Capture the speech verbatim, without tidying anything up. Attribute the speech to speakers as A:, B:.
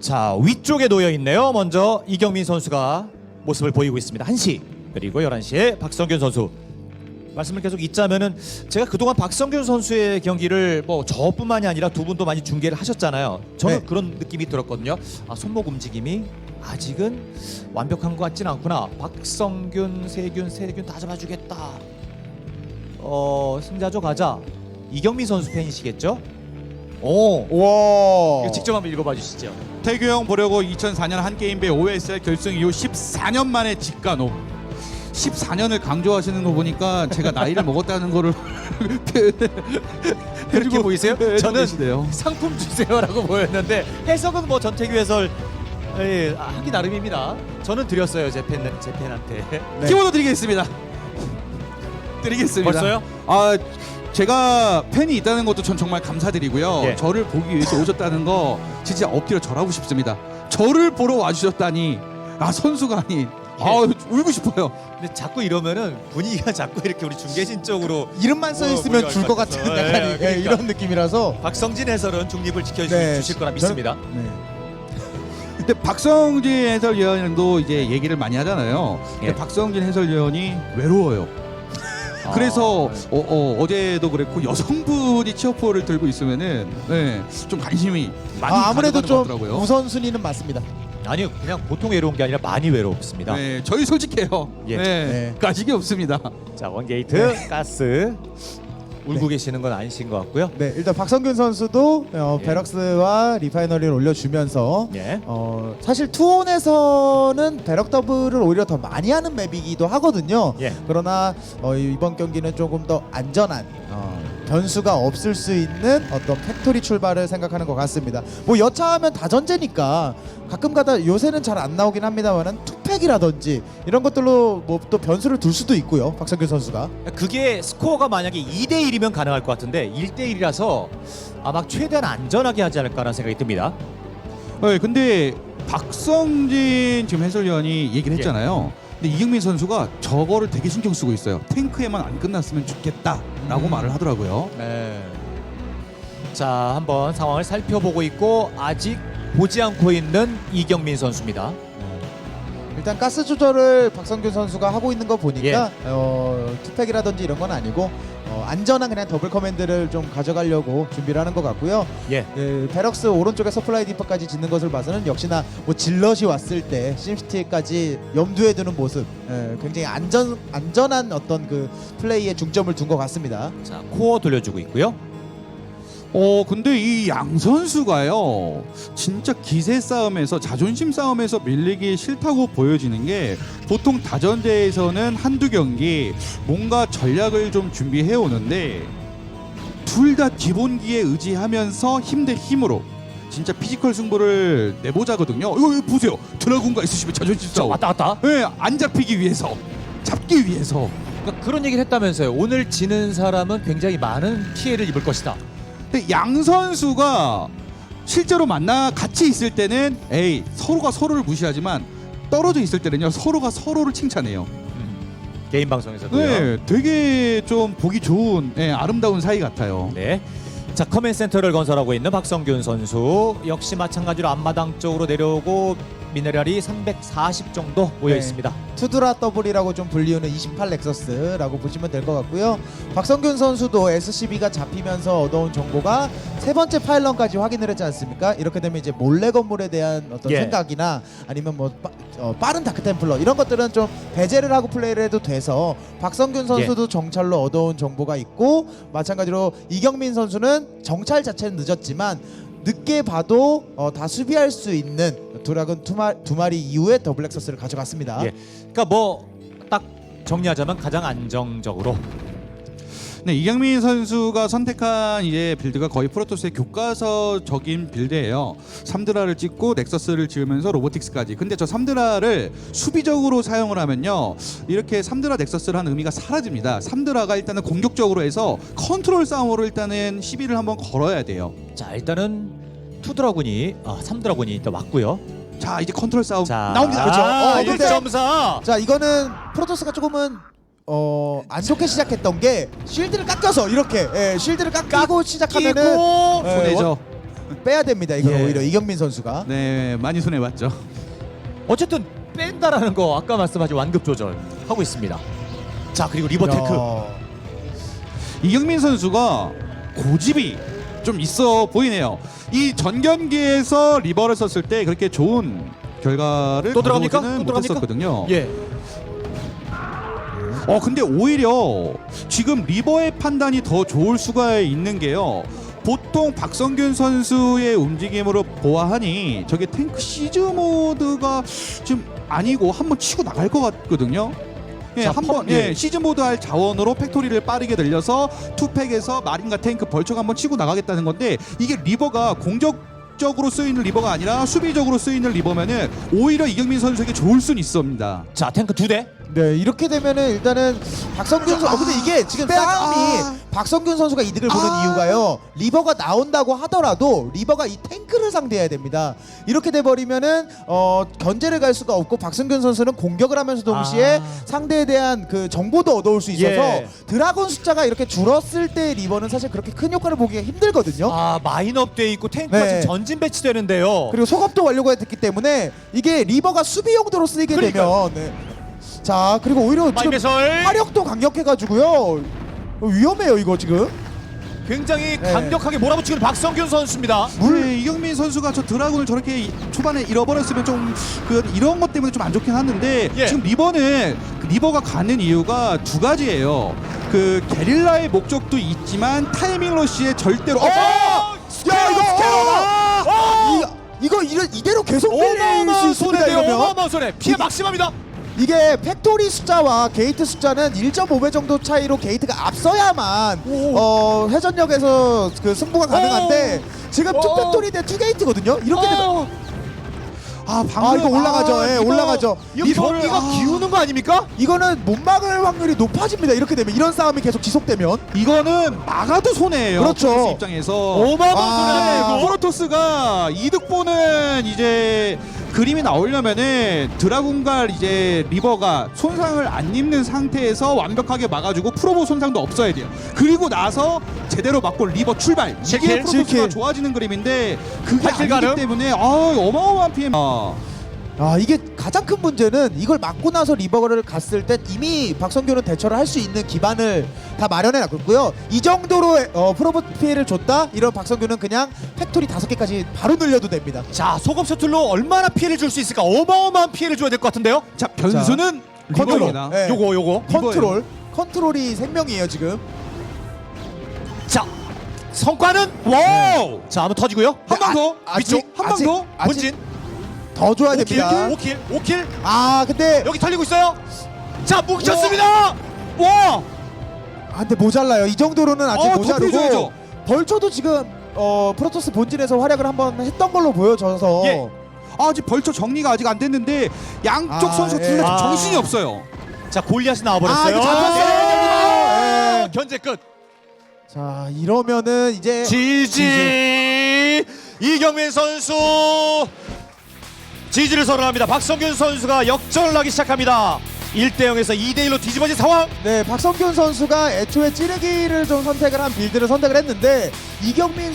A: 자, 위쪽에 놓여 있네요. 먼저 이경민 선수가 모습을 보이고 있습니다. 한 시 그리고 열한 시에 박성균 선수. 말씀을 계속 잇자면은 제가 그동안 박성균 선수의 경기를 뭐 저뿐만이 아니라 두 분도 많이 중계를 하셨잖아요. 저는
B: 네.
A: 그런 느낌이 들었거든요. 아, 손목 움직임이 아직은 완벽한 것 같진 않구나. 박성균, 세균, 세균 다 잡아주겠다. 어, 승자조 가자. 이경민 선수 팬이시겠죠? 오,
B: 와.
A: 이거 직접 한번 읽어봐 주시죠.
C: 태규 형 보려고 이천사 년 한게임배 오에스엘 결승 이후 십사 년 만에 직관호. 십사 년을 강조하시는 거 보니까 제가 나이를 먹었다는 거를
A: 그렇게 보이세요?
C: 네,
A: 저는
C: 계시네요.
A: 상품 주세요라고 보였는데 해석은 뭐 전태규 해설 예, 아, 하기 나름입니다. 저는 드렸어요 제 팬, 제 팬한테.
B: 네.
C: 키워드 드리겠습니다. 드리겠습니다.
A: 벌써요?
C: 아 제가 팬이 있다는 것도 전 정말 감사드리고요.
A: 예.
C: 저를 보기 위해서 오셨다는 거 진짜 엎드려 절하고 싶습니다. 저를 보러 와주셨다니 아 선수가 아닌 아 울고 싶어요.
A: 근데 자꾸 이러면은 분위기가 자꾸 이렇게 우리 중계진 쪽으로
B: 이름만 써
A: 뭐,
B: 있으면
A: 뭐
B: 줄 것
A: 같아서.
B: 같은
A: 예,
B: 약간 예,
A: 그러니까.
B: 이런 느낌이라서.
A: 박성진 해설은 중립을 지켜주실
B: 네,
A: 거라 믿습니다.
B: 네.
C: 근데 박성진 해설위원도 이제 얘기를 많이 하잖아요. 근데
A: 예.
C: 박성진 해설위원이 외로워요.
A: 아,
C: 그래서
A: 네.
C: 어, 어, 어제도 그랬고 여성분이 치어포를 들고 있으면은 네, 좀 관심이 많이
B: 아, 아무래도
C: 가져가는
B: 좀
C: 것 같더라고요.
B: 우선순위는 맞습니다.
A: 아니요, 그냥 보통 외로운 게 아니라 많이 외롭습니다.
C: 네, 저희 솔직해요.
A: 예.
C: 네,
B: 네.
C: 가식이 없습니다.
A: 자, 원게이트 가스 울고 계시는 건 아니신 것 같고요.
B: 네, 일단 박성균 선수도 어,
A: 예.
B: 베럭스와 리파이너리를 올려주면서
A: 예.
B: 어, 사실 투혼에서는 베럭 더블을 오히려 더 많이 하는 맵이기도 하거든요.
A: 예.
B: 그러나 어, 이번 경기는 조금 더 안전한 어, 변수가 없을 수 있는 어떤 팩토리 출발을 생각하는 것 같습니다. 뭐 여차하면 다전제니까 가끔가다 요새는 잘 안 나오긴 합니다만은 투팩이라든지 이런 것들로 뭐 또 변수를 둘 수도 있고요. 박성균 선수가.
A: 그게 스코어가 만약에 이 대 일이면 가능할 것 같은데 일 대 일이라서 아마 최대한 안전하게 하지 않을까라는 생각이 듭니다.
C: 네, 근데 박성진 지금 해설위원이 얘기를
A: 예.
C: 했잖아요. 근데 이경민 선수가 저거를 되게 신경 쓰고 있어요. 탱크에만 안 끝났으면 좋겠다라고
A: 음.
C: 말을 하더라고요.
A: 네. 자, 한번 상황을 살펴보고 있고 아직 보지 않고 있는 이경민 선수입니다.
B: 일단 가스 조절을 박성균 선수가 하고 있는 거 보니까
A: 예.
B: 어, 투팩이라든지 이런 건 아니고 어, 안전한 그냥 더블 커맨드를 좀 가져가려고 준비를 하는 것 같고요.
A: 예.
B: 예, 베럭스 오른쪽에 서플라이 디퍼까지 짓는 것을 봐서는 역시나 뭐 질럿이 왔을 때 심시티까지 염두에 두는 모습, 예, 굉장히 안전 안전한 어떤 그 플레이에 중점을 둔 것 같습니다.
A: 자, 코어 돌려주고 있고요.
C: 어 근데 이 양 선수가요 진짜 기세 싸움에서 자존심 싸움에서 밀리기 싫다고 보여지는 게 보통 다전제에서는 한두 경기 뭔가 전략을 좀 준비해 오는데 둘 다 기본기에 의지하면서 힘 대 힘으로 진짜 피지컬 승부를 내보자거든요. 이거, 이거 보세요. 드라군과 에스씨비 자존심
A: 자,
C: 싸움.
A: 왔다 갔다.
C: 네, 안 잡히기 위해서 잡기 위해서.
A: 그러니까 그런 얘기를 했다면서요. 오늘 지는 사람은 굉장히 많은 피해를 입을 것이다.
C: 근데 양 선수가 실제로 만나 같이 있을 때는 에이 서로가 서로를 무시하지만 떨어져 있을 때는요 서로가 서로를 칭찬해요.
A: 음, 개인 방송에서도요.
C: 네, 되게 좀 보기 좋은 예, 아름다운 사이 같아요.
A: 네. 자, 커맨 센터를 건설하고 있는 박성균 선수 역시 마찬가지로 앞마당 쪽으로 내려오고 미네랄이 삼백사십 정도 모여
B: 네.
A: 있습니다.
B: 투드라 더블이라고 좀 불리우는 이십팔 넥서스라고 보시면 될 것 같고요. 박성균 선수도 에스씨비가 잡히면서 얻어온 정보가 세 번째 파일런까지 확인을 했지 않습니까? 이렇게 되면 이제 몰래 건물에 대한 어떤
A: 예.
B: 생각이나 아니면 뭐 빠, 어, 빠른 다크템플러 이런 것들은 좀 배제를 하고 플레이를 해도 돼서 박성균 선수도 정찰로 얻어온 정보가 있고 마찬가지로 이경민 선수는 정찰 자체는 늦었지만 늦게 봐도 어, 다 수비할 수 있는 드라군 두, 마, 두 마리 이후에 더블 엑서스를 가져갔습니다.
A: 예. 그러니까 뭐 딱 정리하자면 가장 안정적으로.
C: 네, 이경민 선수가 선택한 이제 빌드가 거의 프로토스의 교과서적인 빌드예요. 삼드라를 찍고 넥서스를 지으면서 로보틱스까지. 근데 저 삼드라를 수비적으로 사용을 하면요. 이렇게 삼드라 넥서스를 한 의미가 사라집니다. 삼드라가 일단은 공격적으로 해서 컨트롤 싸움으로 일단은 시비를 한번 걸어야 돼요.
A: 자, 일단은 투 드라군이 아, 삼 드라군이 일단 왔고요.
C: 자, 이제 컨트롤 싸움
A: 자,
C: 나옵니다.
B: 그렇죠.
A: 아,
B: 어, 근데-
A: 일 점 사.
B: 자 이거는 프로토스가 조금은 어, 안 좋게 시작했던 게 쉴드를 깎여서 이렇게 예, 쉴드를 깎이고 시작하면은
A: 끼고
B: 예,
C: 손해죠.
B: 빼야 됩니다. 이건
A: 예.
B: 오히려 이경민 선수가.
C: 네, 많이 손해 봤죠.
A: 어쨌든 뺀다라는 거 아까 말씀하신 완급 조절 하고 있습니다. 자 그리고 리버 테크.
B: 야.
C: 이경민 선수가 고집이 좀 있어 보이네요. 이 전 경기에서 리버를 썼을 때 그렇게 좋은 결과를
A: 또 들어갑니까?
C: 가져오지는
A: 또 들어갑니까?
C: 못했었거든요.
A: 예.
C: 어 근데 오히려 지금 리버의 판단이 더 좋을 수가 있는 게요. 보통 박성균 선수의 움직임으로 보아하니 저게 탱크 시즈 모드가 지금 아니고 한번 치고 나갈 것 같거든요. 예,
A: 자,
C: 한번
A: 펌, 예.
C: 예, 시즈 모드 할 자원으로 팩토리를 빠르게 늘려서 투팩에서 마린과 탱크 벌처가 한번 치고 나가겠다는 건데 이게 리버가 공격적으로 쓰이는 리버가 아니라 수비적으로 쓰이는 리버면은 오히려 이경민 선수에게 좋을 수는 있습니다.
A: 자 탱크 두 대.
B: 네, 이렇게 되면은 일단은 박성균 선수. 어, 근데 이게 지금
C: 빼-
B: 싸움이
C: 아.
B: 박성균 선수가 이득을 보는
C: 아.
B: 이유가요. 리버가 나온다고 하더라도 리버가 이 탱크를 상대해야 됩니다. 이렇게 돼 버리면은 어, 견제를 갈 수가 없고 박성균 선수는 공격을 하면서 동시에
A: 아.
B: 상대에 대한 그 정보도 얻어올 수 있어서
A: 예.
B: 드라곤 숫자가 이렇게 줄었을 때 리버는 사실 그렇게 큰 효과를 보기가 힘들거든요.
A: 아 마인업 돼 있고 탱크가
B: 네.
A: 지금 전진 배치되는데요.
B: 그리고 소급도 완료가 됐기 때문에 이게 리버가 수비 용도로 쓰이게
A: 그러니까요.
B: 되면 네. 자 그리고 오히려 지금
A: 마인배설
B: 화력도 강력해가지고요. 위험해요 이거 지금.
A: 굉장히
B: 네.
A: 강력하게 몰아붙이는 박성균 선수입니다.
C: 물 이경민 선수가 저 드라군을 저렇게 이- 초반에 잃어버렸으면 좀 그 이런 것 때문에 좀 안 좋긴 하는데
A: 예.
C: 지금 리버는 그 리버가 가는 이유가 두 가지예요. 그 게릴라의 목적도 있지만 타이밍 러시에 절대로 어!
B: 야 이거
A: 스캐러다! 어!
B: 이거 이거 이래, 이대로 계속 밀릴
A: 어마어마한
B: 수 있습니다.
A: 손해네요.
B: 이러면
A: 어마어마한 손해. 피해 막심합니다.
B: 이게 팩토리 숫자와 게이트 숫자는 일 점 오 배 정도 차이로 게이트가 앞서야만
A: 오.
B: 어, 회전력에서 그 승부가 가능한데 지금
A: 오.
B: 투 팩토리 대 투 게이트거든요. 이렇게 되면
A: 어.
C: 아 방금
B: 아 이거 올라가죠. 예,
A: 이거-
B: 올라가죠.
A: 이거
B: 리버-
A: 경기가
B: 아.
A: 기우는 거 아닙니까?
B: 이거는 못 막을 확률이 높아집니다. 이렇게 되면 이런 싸움이 계속 지속되면.
C: 이거는 막아도 손해예요.
B: 그렇죠.
C: 프로토스 입장에서
A: 어마어마한
B: 아.
A: 손해네요. 이거.
C: 프로토스가 이득 보는 이제 그림이 나오려면은 드라군과 이제 리버가 손상을 안 입는 상태에서 완벽하게 막아주고 프로보 손상도 없어야 돼요. 그리고 나서 제대로 맞고 리버 출발. 이게
A: 칠 킬,
C: 프로토스가
B: 칠 킬.
C: 좋아지는 그림인데 그게
A: 팔 킬
C: 아니기
A: 가능?
C: 때문에 아, 어마어마한 피해. 아.
B: 아 이게 가장 큰 문제는 이걸 막고 나서 리버를 갔을 때 이미 박성규는 대처를 할 수 있는 기반을 다 마련해 놨고요. 이 정도로 어, 프로보 피해를 줬다? 이런 박성규는 그냥 팩토리 다섯 개까지 바로 늘려도 됩니다.
A: 자 소금 셔틀로 얼마나 피해를 줄 수 있을까? 어마어마한 피해를 줘야 될 것 같은데요.
C: 자 변수는
B: 컨트롤.
C: 리버입니다.
B: 네.
A: 요거 요거.
B: 컨트롤. 컨트롤이 생명이에요 지금.
A: 자 성과는 와우. 자 한번 터지고요.
C: 한 방 더.
B: 아,
C: 위쪽
B: 아직-
C: 한 방
B: 아직-
C: 더.
B: 아직
A: 본진
B: 더 줘야
A: 오 킬,
B: 됩니다.
A: 오 킬, 오 킬.
B: 아 근데
A: 여기 털리고 있어요. 자 뭉쳤습니다. 와.
B: 아 근데 모자라요. 이 정도로는 아직
C: 어,
B: 모자르고
C: 덮여줘야죠.
B: 벌초도 지금 어 프로토스 본진에서 활약을 한번 했던 걸로 보여져서
A: 예.
C: 아, 아직 벌써 정리가 아직 안 됐는데 양쪽
B: 아,
C: 선수
B: 예.
C: 둘 다
A: 아.
C: 정신이 없어요.
A: 자 골리앗이
B: 아,
A: 나와버렸어요.
B: 이거 잡혔어요.
A: 예.
B: 예.
A: 견제 끝.
B: 자 이러면은 이제
A: 지지 이경민 선수 지지를 선언합니다. 박성균 선수가 역전을 하기 시작합니다. 일 대 영에서 이 대 일로 뒤집어진 상황.
B: 네 박성균 선수가 애초에 찌르기를 좀 선택을 한 빌드를 선택을 했는데 이경민